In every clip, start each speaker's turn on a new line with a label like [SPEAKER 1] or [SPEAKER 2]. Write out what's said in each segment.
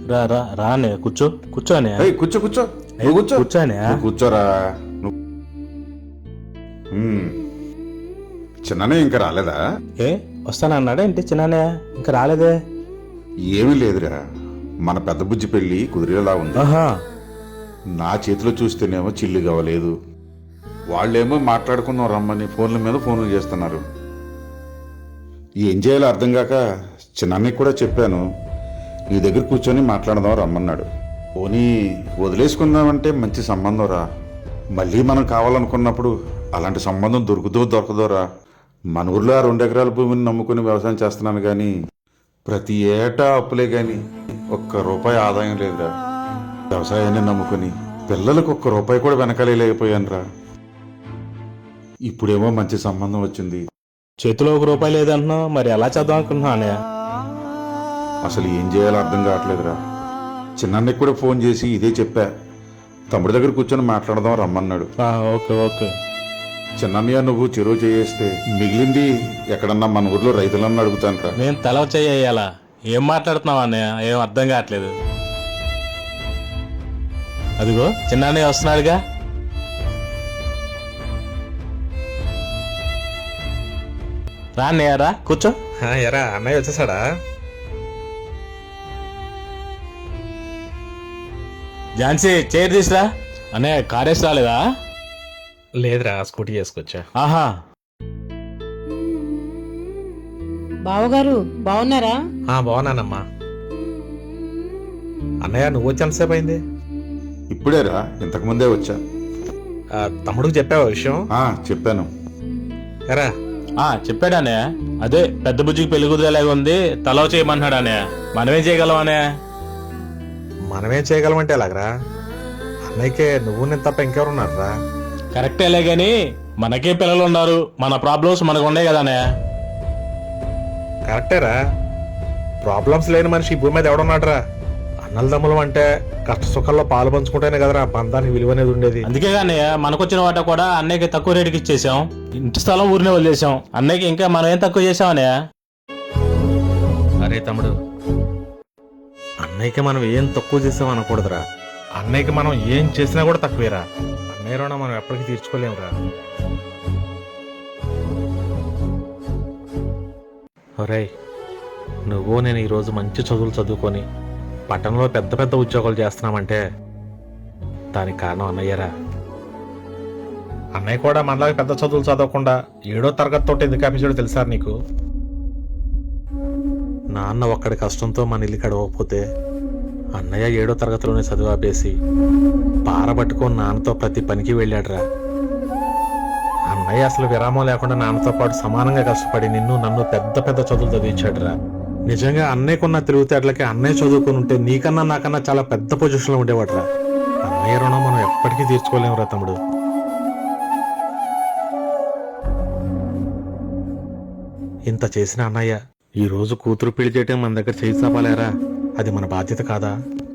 [SPEAKER 1] రా రా రానే కూర్చో కూర్చోనే
[SPEAKER 2] కూర్చో కూర్చో నువ్వు కూర్చో
[SPEAKER 1] కూర్చోనే
[SPEAKER 2] నువ్వు కూర్చోరా చిన్ననే ఇంకా రాలేదా?
[SPEAKER 1] ఏ వస్తానన్నాడా ఏంటి చిన్ననే ఇంకా రాలేదే?
[SPEAKER 2] ఏమీ లేదురా, మన పెద్ద బుజ్జి పెళ్లి కుదిరేలా ఉంది.
[SPEAKER 1] ఆహా
[SPEAKER 2] నా చేతిలో చూస్తేనేమో చిల్లు కావలేదు, వాళ్ళేమో మాట్లాడుకుందాం రమ్మని ఫోన్ల మీద ఫోన్లు చేస్తున్నారు. ఏం చేయాలో అర్థం కాక చిన్నన్నకి కూడా చెప్పాను, నీ దగ్గర కూర్చొని మాట్లాడదాం రమ్మన్నాడు. పోనీ వదిలేసుకుందామంటే మంచి సంబంధం రా, మళ్ళీ మనం కావాలనుకున్నప్పుడు అలాంటి సంబంధం దొరకదోరా. మన ఊర్లో 2 ఎకరాల భూమిని నమ్ముకుని వ్యవసాయం చేస్తున్నాను కానీ ప్రతి ఏటా అప్పులే కానీ ₹1 ఆదాయం లేదురా. వ్యవసాయాన్ని నమ్ముకుని పిల్లలకు ₹1 కూడా వెనకాలేకపోయాను రా. ఇప్పుడేమో మంచి సంబంధం వచ్చింది,
[SPEAKER 1] చేతిలో ₹1 లేదంటున్నావు, మరి ఎలా చేద్దాం అనుకుంటున్నావు అన్నయ్య?
[SPEAKER 2] అసలు ఏం చేయాలో అర్థం కావట్లేదురా. చిన్నన్నకి కూడా ఫోన్ చేసి ఇదే చెప్పా, తమ్ముడి దగ్గర కూర్చొని మాట్లాడదాం రమ్మన్నాడు.
[SPEAKER 1] Okay okay.
[SPEAKER 2] చిన్నన్నయ్య నువ్వు చెరువు చేస్తే మిగిలింది ఎక్కడన్నా మన ఊర్లో రైతులన్నా అడుగుతాను రా.
[SPEAKER 1] నేను తల చేయాలా? ఏం మాట్లాడుతున్నావు అన్నయ్య? ఏం అర్థం కావట్లేదు. అదిగో చిన్నన్నయ్య వస్తున్నాడుగా. రా అన్నయ్య రా కూర్చో.
[SPEAKER 3] ఎరా అన్నయ్య వచ్చేసాడా?
[SPEAKER 1] ఝాన్సీ చైర్ తీసురా. అన్నయ్య కారేసి రాలేదా?
[SPEAKER 3] లేదురా, స్కూటీ చేసుకొచ్చా.
[SPEAKER 1] ఆహా
[SPEAKER 4] బావగారు బాగున్నారా?
[SPEAKER 3] బాగున్నానమ్మా. అన్నయ్య నువ్వు వచ్చి ఎంతసేపు అయింది?
[SPEAKER 2] ఇప్పుడేరా, ఇంతకు ముందే వచ్చా.
[SPEAKER 3] తమ్ముడికి చెప్పావా విషయం?
[SPEAKER 2] చెప్పాను.
[SPEAKER 3] ఎరా
[SPEAKER 1] చెప్పాడు అన్నయ్య. అదే పెద్ద బుజ్జికి పెళ్లి కుదిరేలాగా ఉంది, తలవ చేయమన్నాడు అన్నయ్య. మనమేం చేయగలం అన్నయ్య?
[SPEAKER 3] మనమేం చేయగలమంటే ఎలాగరా? అన్నయ్యకే నువ్వు నేను తప్ప ఇంకెవరున్నారా?
[SPEAKER 1] కరెక్టేలే గాని మనకే పిల్లలు ఉన్నారు, మన ప్రాబ్లమ్స్ మనకు ఉన్నాయి కదా అన్నయ్య.
[SPEAKER 3] కరెక్టేరా, ప్రాబ్లమ్స్ లేని మనిషి ఈ భూమి మీద ఎవడున్నాడురా? అన్నల దమ్ములం అంటే కష్ట సుఖాల్లో పాలు పంచుకుంటేనే కదరా బంధానికి విలువ అనేది ఉండేది.
[SPEAKER 1] అందుకే అన్నయ్య మనకొచ్చిన వాట కూడా అన్నయ్యకి తక్కువ రేటుకి ఇచ్చేసాం, ఇంటి స్థలం ఊరినే వదిలేసాం. అన్నయ్యకి ఇంకా మనం ఏం తక్కువ చేసాం అన్నయ్య?
[SPEAKER 3] అరే తమ్ముడు, అన్నయ్యకి మనం ఏం తక్కువ చేసాం అనకూడదురా. అన్నయ్యకి మనం ఏం చేసినా కూడా తక్కువేరా. అన్నయ్య రుణం మనం ఎప్పటికీ తీర్చుకోలేమురా. ఒరేయ్, నువ్వు నేను ఈరోజు మంచి చదువులు చదువుకొని పట్టణంలో పెద్ద పెద్ద ఉద్యోగాలు చేస్తున్నామంటే దానికి కారణం అన్నయ్యరా. అన్నయ్య కూడా మనలాగా పెద్ద చదువులు చదవకుండా 7వ తరగతి తోటి ఎందుకు ఆపించాడో తెలుసా నీకు? నాన్న ఒక్కడి కష్టంతో మన ఇల్లు గడవకపోతే అన్నయ్య 7వ తరగతిలోనే చదువు ఆపేసి పారబట్టుకొని నాన్నతో ప్రతి పనికి వెళ్ళాడురా. అన్నయ్య అసలు విరామం లేకుండా నాన్నతో పాటు సమానంగా కష్టపడి నిన్ను నన్ను పెద్ద పెద్ద చదువులు చదివించాడురా. నిజంగా అన్నయ్యకున్న తెలివితేటలకి అన్నయ్య చదువుకుని ఉంటే నీకన్నా నాకన్నా చాలా పెద్ద పొజిషన్లో ఉండేవాడురా. అన్నయ్య రుణం మనం ఎప్పటికీ తీర్చుకోలేమురా తమ్ముడు. ఇంత చేసిన అన్నయ్య ఈ రోజు కూతురు పెళ్లి చేయటం మన దగ్గర చేయి చాపాలేరా? అది మన బాధ్యత కాదా?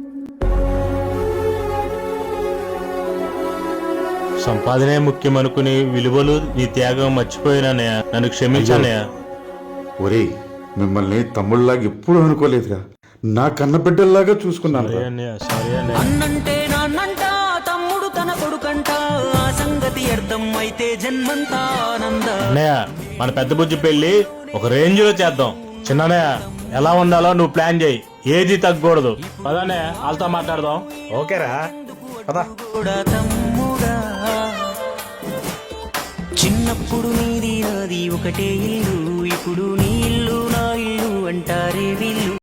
[SPEAKER 1] సంపాదనే ముఖ్యం అనుకుని విలువలు నీ త్యాగం మర్చిపోయినానయ్య, నన్ను క్షమించానయ్య.
[SPEAKER 2] ఒరేయ్, మిమ్మల్ని తమ్ముళ్ళలాగా ఎప్పుడు అనుకోలేదురా, నా కన్న బిడ్డల్లాగా చూసుకున్నాను.
[SPEAKER 5] అన్నంటే నాన్నంట, తమ్ముడు తన కొడుకంట, ఆ సంగతి అర్థం అయితే జన్మంతా ఆనంద.
[SPEAKER 1] అన్నయ్య మన పెద్ద బుజ్జి పెళ్లి ఒక రేంజ్ లో చేద్దాం. చిన్నయ్య ఎలా ఉండాలో నువ్వు ప్లాన్ చేయి, ఏది తగ్గకూడదు. పదనే వాళ్ళతో మాట్లాడదాం.
[SPEAKER 3] ఓకేరా పద.
[SPEAKER 5] చిన్నప్పుడు నీది నాది ఒకటే ఇల్లు, ఇప్పుడు నీ ఇల్లు నా ఇల్లు అంటారే వీళ్ళు.